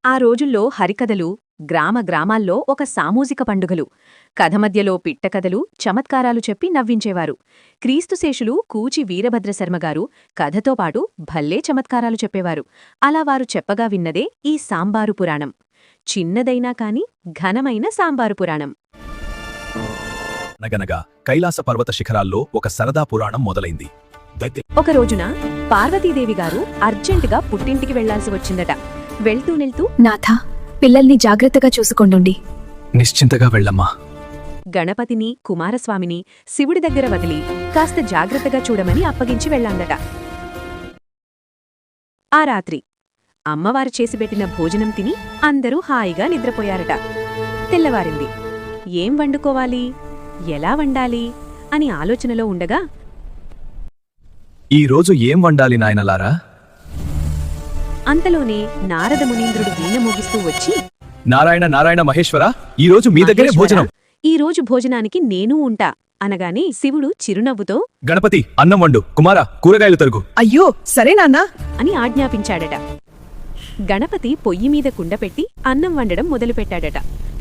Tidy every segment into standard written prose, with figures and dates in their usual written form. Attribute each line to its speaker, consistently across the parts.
Speaker 1: ఆ రోజుల్లో హరికథలు గ్రామ గ్రామాల్లో ఒక సామూజిక పండుగలు. కథ మధ్యలో పిట్టకథలు చమత్కారాలు చెప్పి నవ్వించేవారు. క్రీస్తుశేషులు కూచి వీరభద్రశర్మగారు కథతో పాటు భల్లే చమత్కారాలు చెప్పేవారు. అలా వారు చెప్పగా విన్నదే ఈ సాంబారు పురాణం. చిన్నదైనా కాని ఘనమైన సాంబారు పురాణం.
Speaker 2: అనగనగా కైలాస పర్వత శిఖరాల్లో ఒక సరదా పురాణం మొదలైంది.
Speaker 1: ఒక రోజున పార్వతీదేవిగారు అర్జెంటుగా పుట్టింటికి వెళ్లాల్సి వచ్చిందట. వెళ్తూ
Speaker 3: నాథా, పిల్లల్ని జాగ్రత్తగా చూసుకొండుండి.
Speaker 2: నిశ్చింతగా వెళ్ళమ్మా.
Speaker 1: గణపతిని కుమారస్వామిని శివుడి దగ్గర వదిలి కాస్త జాగ్రత్తగా చూడమని అప్పగించి వెళ్ళాందట. ఆ రాత్రి అమ్మవారు చేసిపెట్టిన భోజనం తిని అందరూ హాయిగా నిద్రపోయారట. తెల్లవారింది. ఏం వండుకోవాలి, ఎలా వండాలి అని ఆలోచనలో ఉండగా
Speaker 2: ఈ రోజు ఏం వండాలి నాయనలారా?
Speaker 1: అంతలోనే నారద మునీంద్రుడు వీణ మోగిస్తూ వచ్చి,
Speaker 2: నారాయణ నారాయణ మహేశ్వర, ఈ రోజు మీ దగ్గరే భోజనం.
Speaker 1: ఈ రోజు భోజనానికి నేనూ ఉంటా అనగానే శివుడు చిరునవ్వుతో,
Speaker 2: గణపతి అన్నం వండు, కుమార కూరగాయలు తరుగు.
Speaker 3: అయ్యో సరే నాన్నా
Speaker 1: అని ఆజ్ఞాపించాడట. గణపతి పొయ్యిమీద కుండపెట్టి అన్నం వండడం మొదలుపెట్టాడట.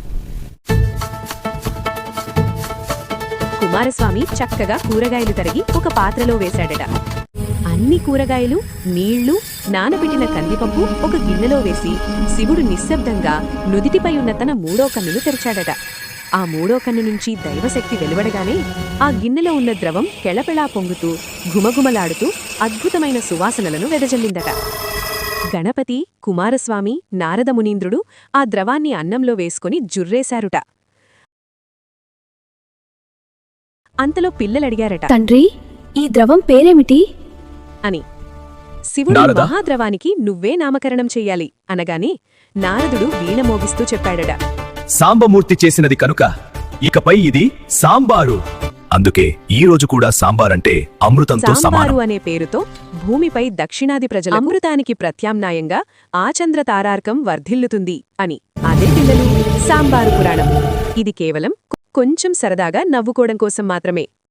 Speaker 1: కుమారస్వామి చక్కగా కూరగాయలు తరిగి ఒక పాత్రలో వేశాడట. అన్ని కూరగాయలు, నీళ్లు, నానబెట్టిన కందిపప్పు ఒక గిన్నెలో వేసి శివుడు నిశ్శబ్దంగా నుదిటిపై ఉన్న తన మూడో కన్నును తెరిచాడట. ఆ మూడో కన్ను నుంచి దైవశక్తి వెలువడగానే ఆ గిన్నెలో ఉన్న ద్రవం కెళపెళా పొంగుతూ ఘుమఘుమలాడుతూ అద్భుతమైన సువాసనలను వెదజల్లిందట. గణపతి, కుమారస్వామి, నారద మునీంద్రుడు ఆ ద్రవాన్ని అన్నంలో వేసుకుని జుర్రేశారుట. అంతలో పిల్లలడిగారట,
Speaker 3: తండ్రి, ఈ ద్రవం పేరేమిటి
Speaker 1: అని. శివుడు
Speaker 2: నారదా?
Speaker 1: మహాద్రవానికి నువ్వే నామకరణం చెయ్యాలి అనగానే నారదుడు వీణ మోగిస్తూ చెప్పాడట,
Speaker 2: సాంబమూర్తి చేసినది కనుక ఇకపై ఇది సాంబారు. అందుకే ఈ రోజు కూడా సాంబారంటే అమృతంతో
Speaker 1: సాంబారు
Speaker 2: సమానం.
Speaker 1: అనే పేరుతో భూమిపై దక్షిణాది ప్రజల అమృతానికి ప్రత్యామ్నాయంగా ఆచంద్ర తారార్కం వర్ధిల్లుతుంది అని. అదే పిల్లలు సాంబారు పురాణం. ఇది కేవలం కొంచెం సరదాగా నవ్వుకోవడం కోసం మాత్రమే.